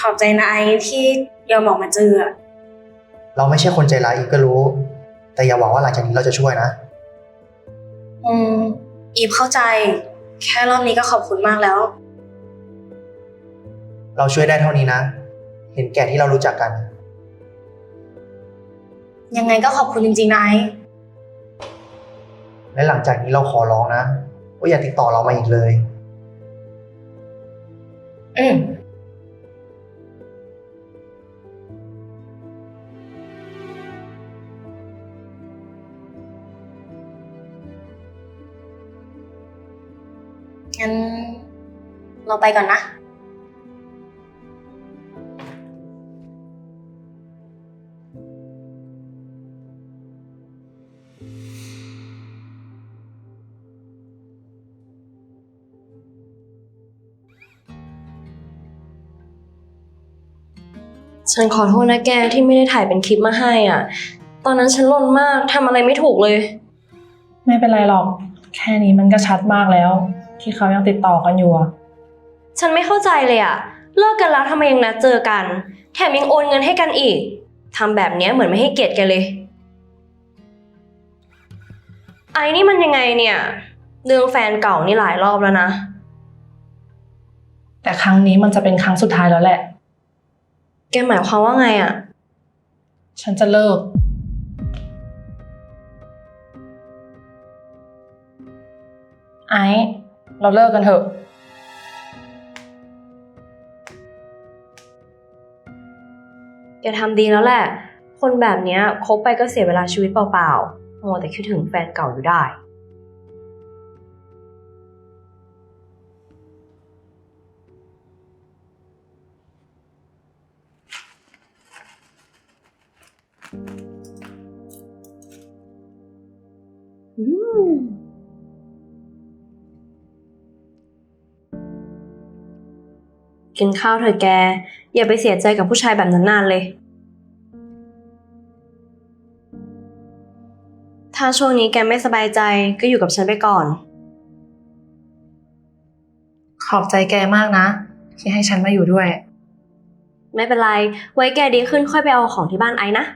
อบใจนะไอที่ยอมออกมาเจออะเราไม่ใช่คนใจร้ายอีฟก็รู้ แต่อย่าหวังว่าหลังจากนี้เราจะช่วยนะอีฟเข้าใจ แค่รอบนี้ก็ขอบคุณมากแล้วเราช่วยได้เท่านี้นะ เห็นแก่ที่เรารู้จักกันยังไงก็ขอบคุณจริงๆนะไอและหลังจากนี้เราขอร้องนะว่าอย่าติดต่อเรามาอีกเลยอืมงั้นเราไปก่อนนะฉันขอโทษนะแกที่ไม่ได้ถ่ายเป็นคลิปมาให้อ่ะ ตอนนั้นฉันลนมากทำอะไรไม่ถูกเลยไม่เป็นไรหรอก แค่นี้มันก็ชัดมากแล้ว ที่เขายังติดต่อกันอยู่อะฉันไม่เข้าใจเลยอ่ะ เลิกกันแล้วทำไมยังนัดเจอกัน แถมยังโอนเงินให้กันอีกทำแบบเนี้ยเหมือนไม่ให้เกียรติแกเลย ไอ้นี่มันยังไงเนี่ยเรื่องแฟนเก่านี่หลายรอบแล้วนะแต่ครั้งนี้มันจะเป็นครั้งสุดท้ายแล้วแหละแกหมายความว่าไงอ่ะฉันจะเลิก ไอ้ เราเลิกกันเถอะแกทำดีแล้วแหละ คนแบบเนี้ยคบไปก็เสียเวลาชีวิตเปล่าๆมัวแต่คิดถึงแฟนเก่าอยู่ได้ กินข้าวเถอะแก อย่าไปเสียใจกับผู้ชายแบบนั้นนานเลย ถ้าช่วงนี้แกไม่สบายใจก็อยู่กับฉันไปก่อนขอบใจแกมากนะ ที่ให้ฉันมาอยู่ด้วยไม่เป็นไร ไว้แกดีขึ้นค่อยไปเอาของที่บ้านไอ้นะ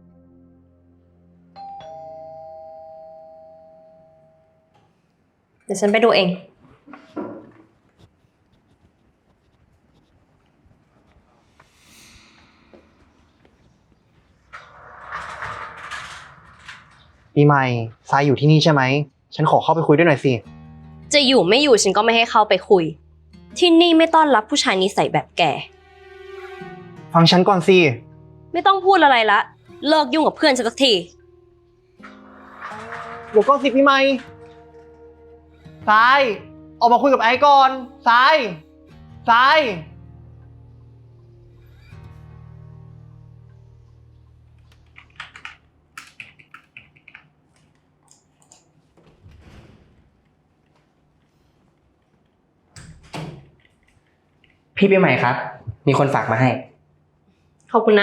เดี๋ยวฉันไปดูเองปีใหม่ทรายอยู่ที่นี่ใช่ไหม ฉันขอเข้าไปคุยด้วยหน่อยสิจะอยู่ไม่อยู่ฉันก็ไม่ให้เข้าไปคุย ที่นี่ไม่ต้อนรับผู้ชายนิสัยแบบแกฟังฉันก่อนสิไม่ต้องพูดอะไรละ เลิกยุ่งกับเพื่อนฉันสักทีเดี๋ยวก่อนสิปีใหม่ทราย ออกมาคุยกับไอ้ก่อนทรายทรายพี่ปีใหม่ครับ มีคนฝากมาให้ขอบคุณนะ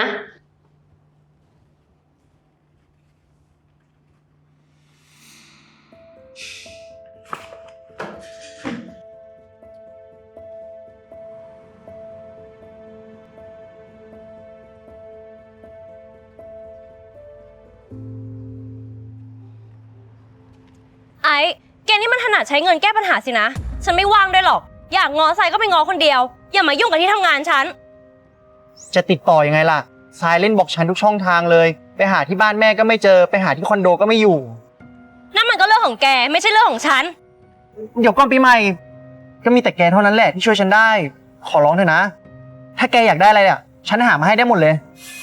ไอ้แกนี่มันถนัดใช้เงินแก้ปัญหาสินะ ฉันไม่ว่างด้วยหรอก อยากงอใส่ก็ไปงอคนเดียว อย่ามายุ่งกับที่ทำงานฉันจะติดต่อยังไงล่ะทรายเล่นบอกฉันทุกช่องทางเลย ไปหาที่บ้านแม่ก็ไม่เจอ ไปหาที่คอนโดก็ไม่อยู่นั่นมันก็เรื่องของแกไม่ใช่เรื่องของฉันเดี๋ยวก่อนปีใหม่ ก็มีแต่แกเท่านั้นแหละที่ช่วยฉันได้ ขอร้องเถอะนะ ถ้าแกอยากได้อะไรอ่ะ ฉันหามาให้ได้หมดเลย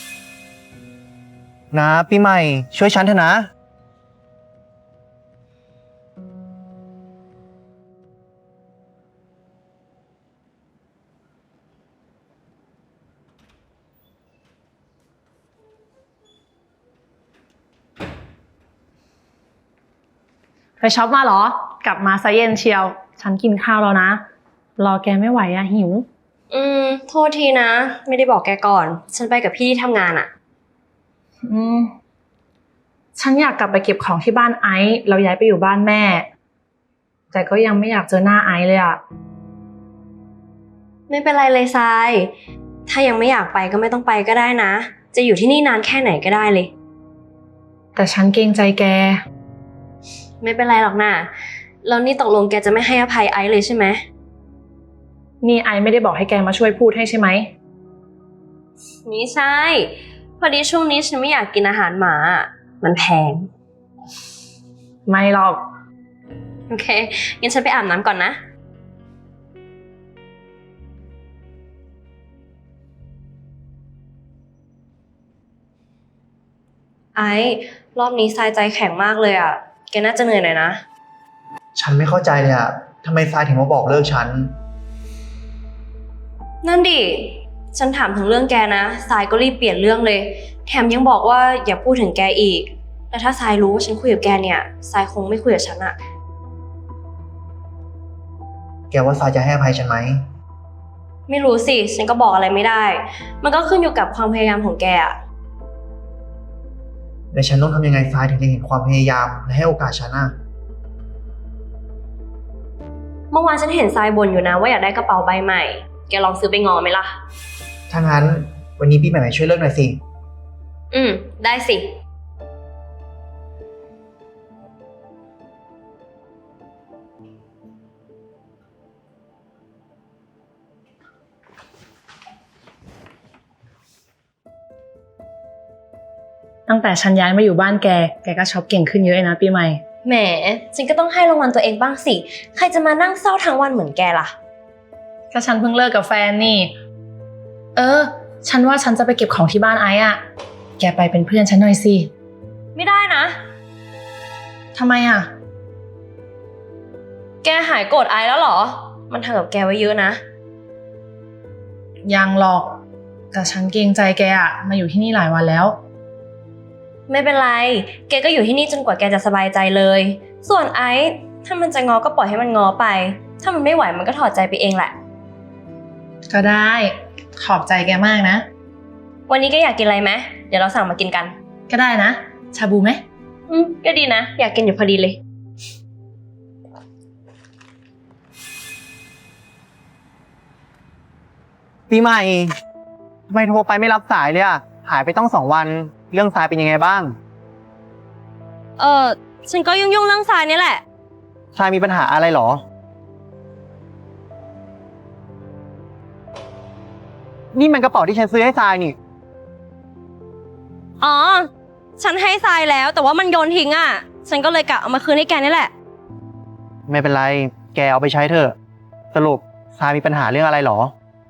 นะปีใหม่ช่วยฉันเถอะนะไปช็อปมาเหรอ กลับมาซะเย็นเชียว ฉันกินข้าวแล้วนะ รอแกไม่ไหวอะหิวโทษทีนะ ไม่ได้บอกแกก่อน ฉันไปกับพี่ที่ทำงานอะฉันอยากกลับไปเก็บของที่บ้านไอซ์เราย้ายไปอยู่บ้านแม่ แต่ก็ยังไม่อยากเจอหน้าไอซ์เลยอะไม่เป็นไรเลยทรายถ้ายังไม่อยากไปก็ไม่ต้องไปก็ได้นะ จะอยู่ที่นี่นานแค่ไหนก็ได้เลยแต่ฉันเกรงใจแกไม่เป็นไรหรอกนะแล้วนี่ตกลงแกจะไม่ให้อภัยไอซ์เลยใช่ไหมนี่ไอไม่ได้บอกให้แกมาช่วยพูดให้ใช่ไหมไม่ใช่ พอดีช่วงนี้ฉันไม่อยากกินอาหารหมา มันแพงไม่หรอกโอเค งั้นฉันไปอาบน้ำก่อนนะ ไอ้รอบนี้ทรายใจแข็งมากเลยอ่ะ แกน่าจะเหนื่อยหน่อยนะฉันไม่เข้าใจเลยอะทำไมทรายถึงมาบอกเลิกฉันนั่นดิ ฉันถามถึงเรื่องแกนะทรายก็รีบเปลี่ยนเรื่องเลย แถมยังบอกว่าอย่าพูดถึงแกอีก แต่ถ้าทรายรู้ว่าฉันคุยกับแกเนี่ยทรายคงไม่คุยกับฉันอะแกว่าทรายจะให้อภัยฉันไหมไม่รู้สิ ฉันก็บอกอะไรไม่ได้ มันก็ขึ้นอยู่กับความพยายามของแกอะและฉันต้องทำยังไงทรายถึงจะเห็นความพยายามและให้โอกาสฉันอะเมื่อวานฉันเห็นทรายบ่นอยู่นะว่าอยากได้กระเป๋าใบใหม่ แกลองซื้อไปงอไหมล่ะถ้างั้นวันนี้พี่ใหม่ๆช่วยเลิกหน่อยสิได้สิตั้งแต่ฉันย้ายมาอยู่บ้านแกก็ช็อปเก่งขึ้นเยอะเลยนะปีใหม่แหม ฉันก็ต้องให้รางวัลตัวเองบ้างสิ ใครจะมานั่งเศร้าทั้งวันเหมือนแกล่ะก็ฉันเพิ่งเลิกกับแฟนนี่ ฉันว่าฉันจะไปเก็บของที่บ้านไอ้อะแกไปเป็นเพื่อนฉันหน่อยสิไม่ได้นะทำไมอะแกหายโกรธไอซ์แล้วเหรอ มันทำกับแกไว้เยอะนะยังหรอก แต่ฉันเกรงใจแกอะมาอยู่ที่นี่หลายวันแล้วไม่เป็นไร แกก็อยู่ที่นี่จนกว่าแกจะสบายใจเลย ส่วนไอซ์ถ้ามันจะงอก็ปล่อยให้มันงอไป ถ้ามันไม่ไหวมันก็ถอดใจไปเองแหละก็ได้ ขอบใจแกมากนะวันนี้แกอยากกินอะไรไหมเดี๋ยวเราสั่งมากินกันก็ได้นะ ชาบูไหมก็ดีนะ อยากกินอยู่พอดีเลยปีใหม่ทำไมโทรไปไม่รับสายเลยอะหายไปต้อง2 วัน เรื่องทรายเป็นยังไงบ้างฉันก็ยุ่งเรื่องทรายนี่แหละทรายมีปัญหาอะไรเหรอ นี่มันกระเป๋าที่ฉันซื้อให้ทรายนี่อ๋อ ฉันให้ทรายแล้วแต่ว่ามันโยนทิ้งอ่ะ ฉันก็เลยกะเอามาคืนให้แกนี่แหละไม่เป็นไร แกเอาไปใช้เถอะ สรุปทรายมีปัญหาเรื่องอะไรเหรอ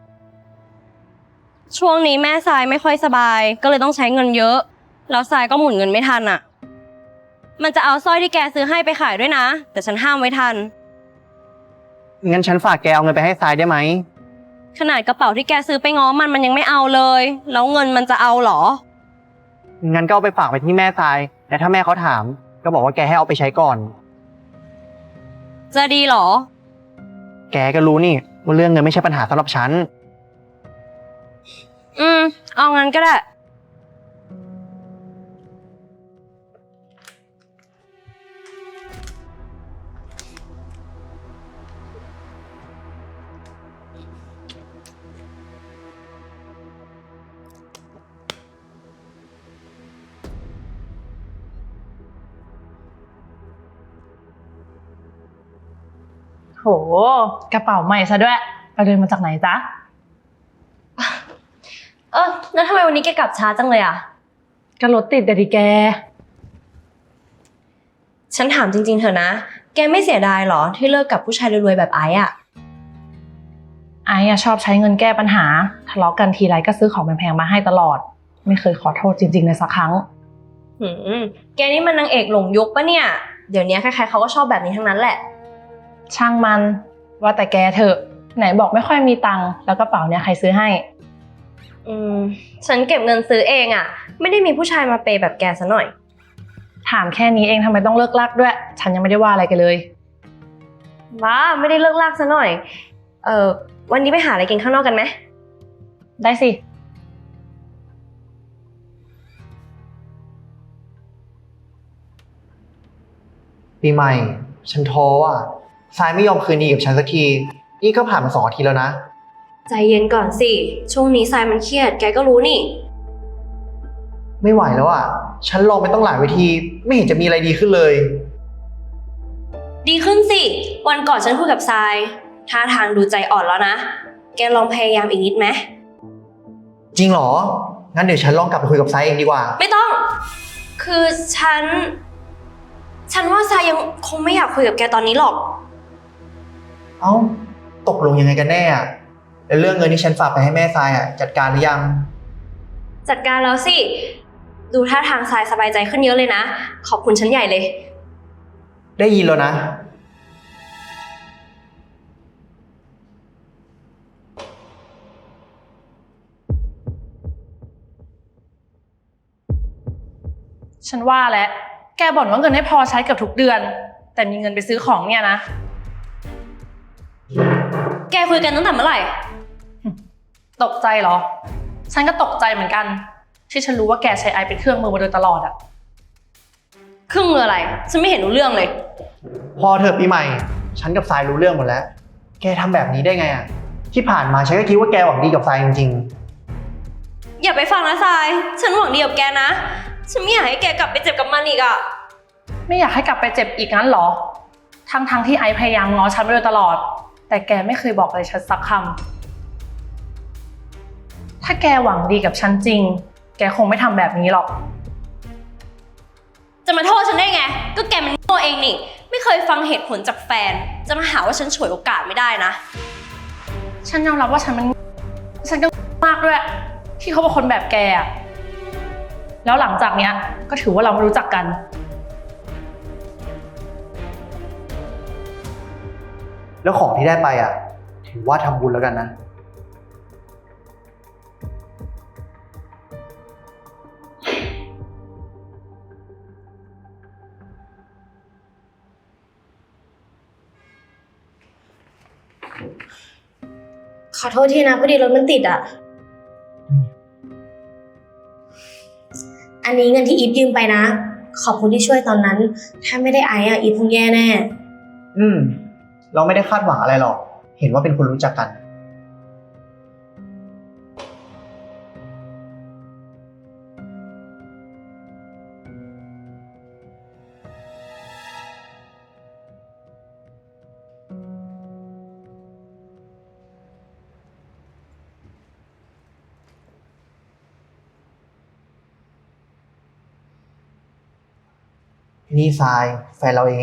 ช่วงนี้แม่ทรายไม่ค่อยสบาย ก็เลยต้องใช้เงินเยอะ แล้วทรายก็หมุนเงินไม่ทันอ่ะ มันจะเอาสร้อยที่แกซื้อให้ไปขายด้วยนะ แต่ฉันห้ามไว้ทันงั้นฉันฝากแกเอาเงินไปให้ทรายได้ไหมขนาดกระเป๋าที่แกซื้อไปง้อมันยังไม่เอาเลย แล้วเงินมันจะเอาเหรองั้นก็เอาไปฝากไปที่แม่ทราย และถ้าแม่เขาถาม ก็บอกว่าแกให้เอาไปใช้ก่อนจะดีเหรอแกก็รู้นี่ว่าเรื่องเงินไม่ใช่ปัญหาสำหรับฉันเอางั้นก็ได้โห กระเป๋าใหม่ซะด้วย ไปเดินมาจากไหนจ๊ะแล้วทำไมวันนี้แกกลับช้าจังเลยอ่ะก็รถติดแต่ดิแกฉันถามจริงๆเถอะนะ แกไม่เสียดายเหรอที่เลิกกับผู้ชายรวยๆแบบไอ้อะไอ้อะชอบใช้เงินแก้ปัญหา ทะเลาะกันทีไรก็ซื้อของแพงๆมาให้ตลอด ไม่เคยขอโทษจริงๆเลยสักครั้งแกนี่มันนางเอกหลงยุคปะเนี่ย เดี๋ยวนี้ใครๆเขาก็ชอบแบบนี้ทั้งนั้นแหละช่างมัน ว่าแต่แกเถอะ ไหนบอกไม่ค่อยมีตังค์แล้วกระเป๋าเนี่ยใครซื้อให้ฉันเก็บเงินซื้อเองอะไม่ได้มีผู้ชายมาเปย์แบบแกซะหน่อยถามแค่นี้เองทำไมต้องเลิกลักด้วย ฉันยังไม่ได้ว่าอะไรกันเลยว้าไม่ได้เลิกลากซะหน่อย วันนี้ไปหาอะไรกินข้างนอกกันไหมได้สิปีใหม่ ฉันท้ออ่ะทรายไม่ยอมคืนดีกับฉันสักที นี่ก็ผ่านมา2 อาทิตย์แล้วนะใจเย็นก่อนสิ ช่วงนี้ทรายมันเครียด แกก็รู้นี่ไม่ไหวแล้วอ่ะ ฉันลองไปต้องหลายเวที ไม่เห็นจะมีอะไรดีขึ้นเลยดีขึ้นสิ วันก่อนฉันคุยกับทรายท่าทางดูใจอ่อนแล้วนะ แกลองพยายามอีกนิดไหมจริงเหรอ งั้นเดี๋ยวฉันลองกลับไปคุยกับไซเองดีกว่าไม่ต้อง คือฉันว่าทรายยังคงไม่อยากคุยกับแกตอนนี้หรอกเอ้า ตกลงยังไงกันแน่อะแล้วเรื่องเงินที่ฉันฝากไปให้แม่ทรายอ่ะ จัดการหรือยังจัดการแล้วสิ ดูท่าทางทรายสบายใจขึ้นเยอะเลยนะ ขอบคุณฉันใหญ่เลยได้ยินแล้วนะฉันว่าแล้วแกบ่นว่าเงินไม่พอใช้เกือบทุกเดือน แต่มีเงินไปซื้อของเนี่ยนะแกคุยกันตั้งแต่เมื่อไหร่ตกใจเหรอ ฉันก็ตกใจเหมือนกัน ที่ฉันรู้ว่าแกใช้ไอเป็นเครื่องมือมาโดยตลอดอะครึ่งมืออะไร ฉันไม่เห็นรู้เรื่องเลยพอเธอปีใหม่ ฉันกับทรายรู้เรื่องหมดแล้ว แกทำแบบนี้ได้ไงอ่ะ ที่ผ่านมาฉันก็คิดว่าแกหวังดีกับทรายจริงอย่าไปฟังนะทราย ฉันหวังดีกับแกนะ ฉันไม่อยากให้แกกลับไปเจ็บกับมันอีกอะไม่อยากให้กลับไปเจ็บอีกงั้นเหรอ ทั้งที่ไอพยายามง้อฉันมาโดยตลอด แต่แกไม่เคยบอกอะไรฉันสักคำถ้าแกหวังดีกับฉันจริง แกคงไม่ทำแบบนี้หรอกจะมาโทษฉันได้ไง ก็แกมันโง่เองนี่ ไม่เคยฟังเหตุผลจากแฟน จะมาหาว่าฉันฉวยโอกาสไม่ได้นะฉันยอมรับว่าฉันก็มากด้วย ที่เขาเป็นคนแบบแกอะแล้วหลังจากเนี้ยก็ถือว่าเราไม่รู้จักกันๆ แล้วของที่ได้ไปอ่ะ ถือว่าทำบุญแล้วกันนะขอโทษทีนะพอดีรถมันติดอ่ะ อันนี้เงินที่อีฟยืมไปนะ ขอบคุณที่ช่วยตอนนั้น ถ้าไม่ได้ไอซ์อ่ะอีฟคงแย่แน่เราไม่ได้คาดหวังอะไรหรอก เห็นว่าเป็นคนรู้จักกัน นี่ทรายแฟนเราเอง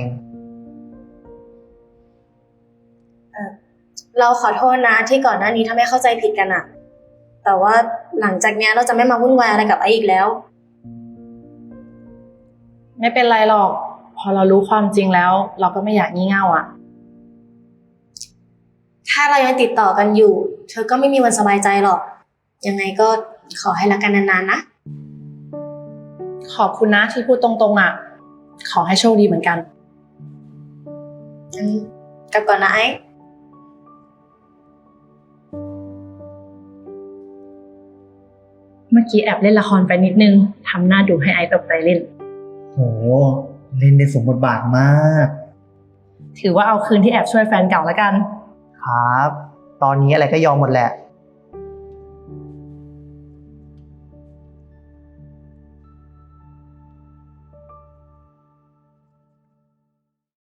เราขอโทษนะที่ก่อนหน้านี้ทำให้เข้าใจผิดกันอะแต่ว่าหลังจากเนี้ยเราจะไม่มาวุ่นวายอะไรกับไอซ์อีกแล้วไม่เป็นไรหรอก พอเรารู้ความจริงแล้ว เราก็ไม่อยากงี่เง่าอ่ะถ้าเรายังติดต่อกันอยู่ เธอก็ไม่มีวันสบายใจหรอก ยังไงก็ขอให้รักกันนานๆนะขอบคุณนะที่พูดตรงๆอ่ะ ขอให้โชคดีเหมือนกันกลับก่อนนะไอซ์เมื่อกี้แอบเล่นละครไปนิดนึงทำหน้าดูให้ไอซ์ตกใจเล่นโห เล่นได้สมบทบาทมากถือว่าเอาคืนที่แอบช่วยแฟนเก่าแล้วกันครับ ตอนนี้อะไรก็ยอมหมดแหละ